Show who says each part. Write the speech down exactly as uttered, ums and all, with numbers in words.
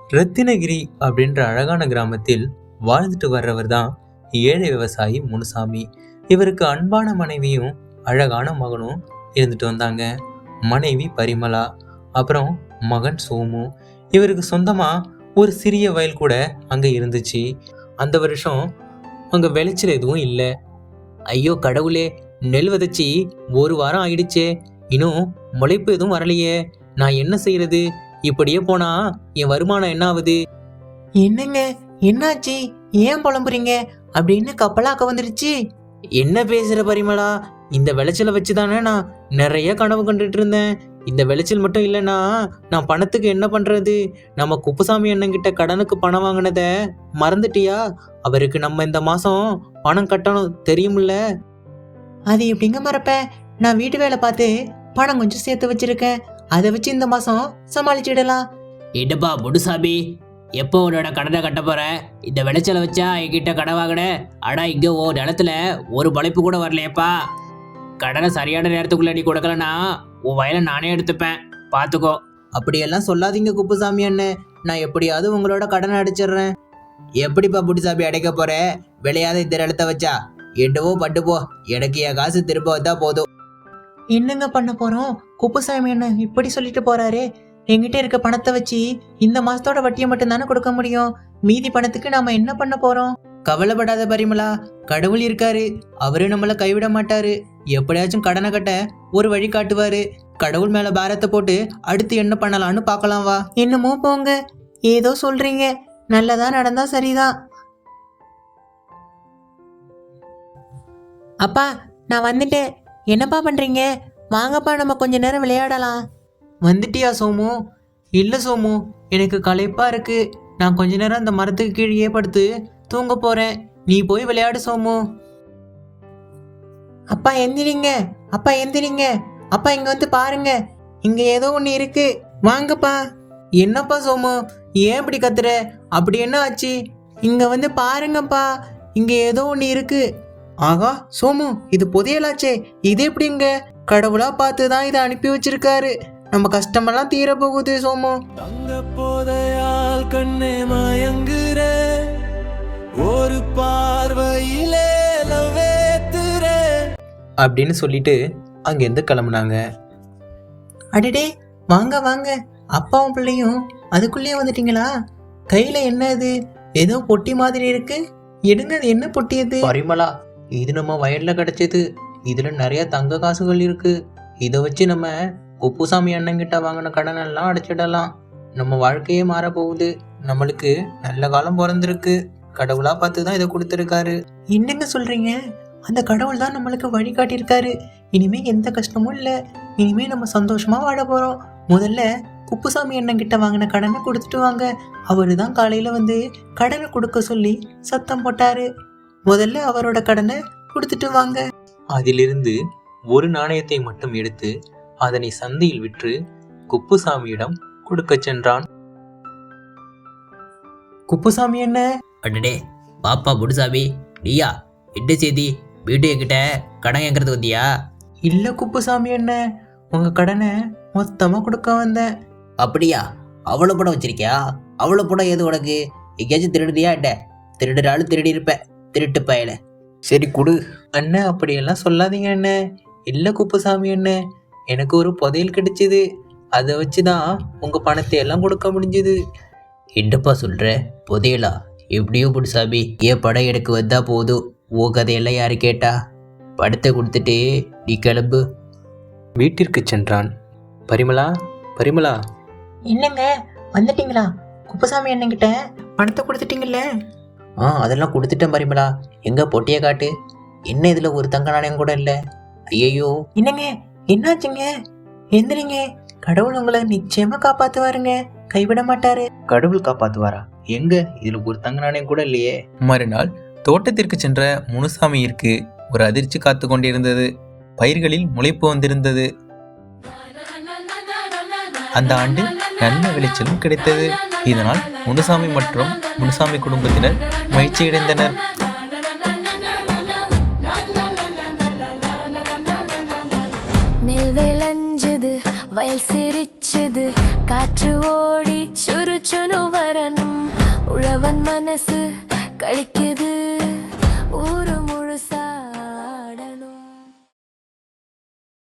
Speaker 1: ரத்தினகிரி அப்படின்ற அழகான கிராமத்தில் வாழ்ந்துட்டு வர்றவர் தான் ஏழை விவசாயி முனுசாமி. இவருக்கு அன்பான மனைவியும் அழகான மகனும் இருந்துட்டு வந்தாங்க. மனைவி பரிமளா, அப்புறம் மகன் சோமு. இவருக்கு சொந்தமா ஒரு சிறிய வயல் கூட அங்க இருந்துச்சு. அந்த வருஷம் அங்க விளைச்சல் எதுவும் இல்லை. ஐயோ கடவுளே, நெல் விதைச்சி ஒரு வாரம் ஆயிடுச்சே, இன்னும் முளைப்பு எதுவும் வரலையே, நான் என்ன செய்யறது? இப்படியே போனா என் வருமானம் என்ன ஆகுது?
Speaker 2: என்னங்க என்னாச்சு, ஏன் புலம்புறீங்க? அப்படின்னு கப்பலாக்க வந்துருச்சு.
Speaker 1: என்ன பேசுற பரிமளா? இந்த விளைச்சலை வச்சுதானே நான் நிறைய கனவு கண்டுட்டு இருந்தேன். இந்த விளைச்சல் மட்டும் இல்லைன்னா நான் பணத்துக்கு என்ன பண்றது? நம்ம குப்புசாமி அண்ணன்கிட்ட கடனுக்கு பணம் வாங்கினத மறந்துட்டியா? அவருக்கு நம்ம இந்த மாசம் பணம் கட்டணும், தெரியுமில்ல?
Speaker 2: அது எப்படிங்க மறப்பேன்? நான் வீட்டு வேலை பார்த்து பணம் கொஞ்சம் சேர்த்து வச்சிருக்கேன். அதை வச்சு இந்த மாசம் சமாளிச்சிடலாம்.
Speaker 3: என்னப்பா முனுசாமி, எப்போ உன்னோட கடனை கட்ட போற? இந்த விளைச்சலை வச்சா என்கிட்ட கடன் வாங்கின, ஆனா இங்க ஓ நிலத்துல ஒரு பழைப்பு கூட வரலையப்பா. கடனை சரியான நேரத்துக்குள்ள நீ கொடுக்கலனா உன் வயலை நானே எடுத்துப்பேன், பாத்துக்கோ.
Speaker 2: அப்படியெல்லாம் சொல்லாதீங்க குப்புசாமி அண்ணன், நான் எப்படியாவது உங்களோட கடனை அடைச்சிடுறேன்.
Speaker 4: எப்படிப்பா புடிசாமி அடைக்க போற? விளையாத இந்த நிலத்த வச்சா என்னவோ பட்டு போ, எனக்கு என் காசு திரும்ப வந்தா போதும்.
Speaker 2: என்னங்க பண்ண போறோம்? குப்புசாமி அண்ணன் இப்படி சொல்லிட்டு போறாரு. என்கிட்ட இருக்க பணத்தை வச்சு இந்த மாசத்தோட வட்டியை மட்டும் தானே கொடுக்க முடியும். மீதி பணத்துக்கு நாம என்ன பண்ண போறோம்?
Speaker 4: கவலைப்படாத பரிமளா, கடவுள் இருக்காரு, அவரு நம்மள கைவிட மாட்டாரு. எப்படியாச்சும் கடனை கட்ட ஒரு வழி காட்டுவாரு. கடவுள் மேல பாரத்தை போட்டு அடுத்து என்ன பண்ணலாம்னு பார்க்கலாம் வா.
Speaker 2: என்னமோ போங்க, ஏதோ சொல்றீங்க. நல்லதா நடந்தா சரிதான். அப்பா நான் வந்துட்டேன். என்னப்பா பண்றீங்க? வாங்கப்பா நம்ம கொஞ்ச நேரம் விளையாடலாம்.
Speaker 4: வந்துட்டியா சோமு? இல்ல சோமு, எனக்கு களைப்பா இருக்கு. நான் கொஞ்ச நேரம் அந்த மரத்துக்கு கீழே படுத்து தூங்க போறேன். நீ போய் விளையாடு சோமு.
Speaker 2: அப்பா எந்திரிங்க, அப்பா எந்திரிங்க. அப்பா இங்க வந்து பாருங்க, இங்க ஏதோ ஒண்ணு இருக்கு, வாங்கப்பா.
Speaker 4: என்னப்பா சோமு, ஏன் இப்படி கத்துற? அப்படி என்ன ஆச்சு?
Speaker 2: இங்க வந்து பாருங்கப்பா, இங்க ஏதோ ஒண்ணு இருக்கு.
Speaker 4: ஆகா சோமு, இது புதையலாச்சே, இது எப்படிங்க? கடவுளா பார்த்துதான் இதை அனுப்பி வச்சிருக்காரு. நம்ம கஷ்டமெல்லாம் தீர போகுது சோமு.
Speaker 5: தங்க போதையால் கண்ணே மயங்குற, ஒரு பார்வையிலே லவேத்துற
Speaker 1: அப்படின்னு சொல்லிட்டு அங்கேருந்து கிளம்புனாங்க.
Speaker 2: அடடே, வாங்க வாங்க, அப்பாவும் பிள்ளையும் அதுக்குள்ளேயே வந்துட்டீங்களா? கையில என்ன இது? ஏதோ பொட்டி மாதிரி இருக்கு, எடுங்க. அது என்ன பொட்டி அது?
Speaker 4: பரிமளா, இது நம்ம வயல்ல கிடைச்சது. இதுல நிறைய தங்க காசுகள் இருக்கு. இதை வச்சு நம்ம குப்புசாமி அண்ணங்கிட்ட வாங்கின கடன் எல்லாம் அடைச்சிடலாம். நம்ம வாழ்க்கையே மாற போகுது. நம்மளுக்கு நல்ல காலம் பிறந்திருக்கு. கடவுளா பார்த்து தான் இதை கொடுத்துருக்காரு.
Speaker 2: என்னங்க சொல்றீங்க? அந்த கடவுள் தான் நம்மளுக்கு வழி காட்டியிருக்காரு. இனிமே எந்த கஷ்டமும் இல்லை. இனிமே நம்ம சந்தோஷமா வாழ போறோம். முதல்ல குப்புசாமி அண்ணன் கிட்ட வாங்கின கடனை கொடுத்துட்டு வாங்க. அவரு தான் காலையில வந்து கடனை கொடுக்க சொல்லி சத்தம் போட்டாரு. முதல்ல அவரோட கடனை கொடுத்துட்டு வாங்க.
Speaker 1: அதிலிருந்து ஒரு நாணயத்தை மட்டும் எடுத்து அதனை சந்தையில் விற்று குப்புசாமியிடம் கொடுக்க சென்றான்.
Speaker 2: குப்புசாமி என்ன?
Speaker 3: அடடே பாப்பா முனுசாமி, நீயா? என்ன செய்தி? வீட்டு என்கிட்ட கடன் கேட்கறது வந்தியா?
Speaker 2: இல்ல குப்புசாமி என்ன, உங்க கடனை மொத்தமா கொடுக்க வந்தேன்.
Speaker 4: அப்படியா? அவ்வளவு படம் வச்சிருக்கியா? அவ்வளவு படம் ஏது உனக்கு? எங்கேயாச்சும் திருடுறியா? என்ன திருடுறாலும் திருடி இருப்ப, திருட்டு பயல. சரி குடு.
Speaker 2: அண்ணன் அப்படியெல்லாம் சொல்லாதீங்க அண்ணன். இல்ல குப்புசாமி அண்ணன், எனக்கு ஒரு புதையல் கிடைச்சது. அதை வச்சுதான் உங்க பணத்தை எல்லாம் கொடுக்க முடிஞ்சது.
Speaker 4: என்னப்பா சொல்ற? புதையலா? எப்படியோ முனுசாமி, ஏன் படம் எனக்கு வந்தா போதும். ஓ கதையெல்லாம் யாரு கேட்டா? படத்தை கொடுத்துட்டு நீ கிளம்பு.
Speaker 1: வீட்டிற்கு சென்றான். பரிமளா, பரிமளா.
Speaker 2: என்னங்க வந்துட்டீங்களா? குப்புசாமி அண்ணன் கிட்ட பணத்தை கொடுத்துட்டீங்கல்ல?
Speaker 4: ஆ அதெல்லாம் கொடுத்துட்டேன் பரிமளா. எங்க பொட்டியை காட்டு. என்ன இதுல ஒரு தங்க நாணயம் கூட இல்ல? ஐயோ.
Speaker 2: என்னங்க என்னாச்சுங்க? எந்திரிங்க, கடவுள் உங்களை நிச்சயமா காப்பாத்துவாருங்க, கைவிட மாட்டாரு.
Speaker 4: கடவுள் காப்பாத்துவாரா? எங்க இதுல ஒரு தங்க நாணயம் கூட இல்லையே.
Speaker 1: மறுநாள் தோட்டத்திற்கு சென்ற முனுசாமியிற்கு ஒரு அதிர்ச்சி காத்து கொண்டிருந்தது. பயிர்களில் முளைப்பு வந்திருந்தது. அந்த ஆண்டு நல்ல விளைச்சலும் கிடைத்தது. இதனால் முனுசாமி மற்றும் முனுசாமி குடும்பத்தினர் மகிழ்ச்சியடைந்தனர்.
Speaker 6: நெல் விளைஞ்சது, வயல் சிரிச்சு வீசுது காற்று ஓடி சுறுச்சுனு வரணும் உழவன் மனசு கழிக்குது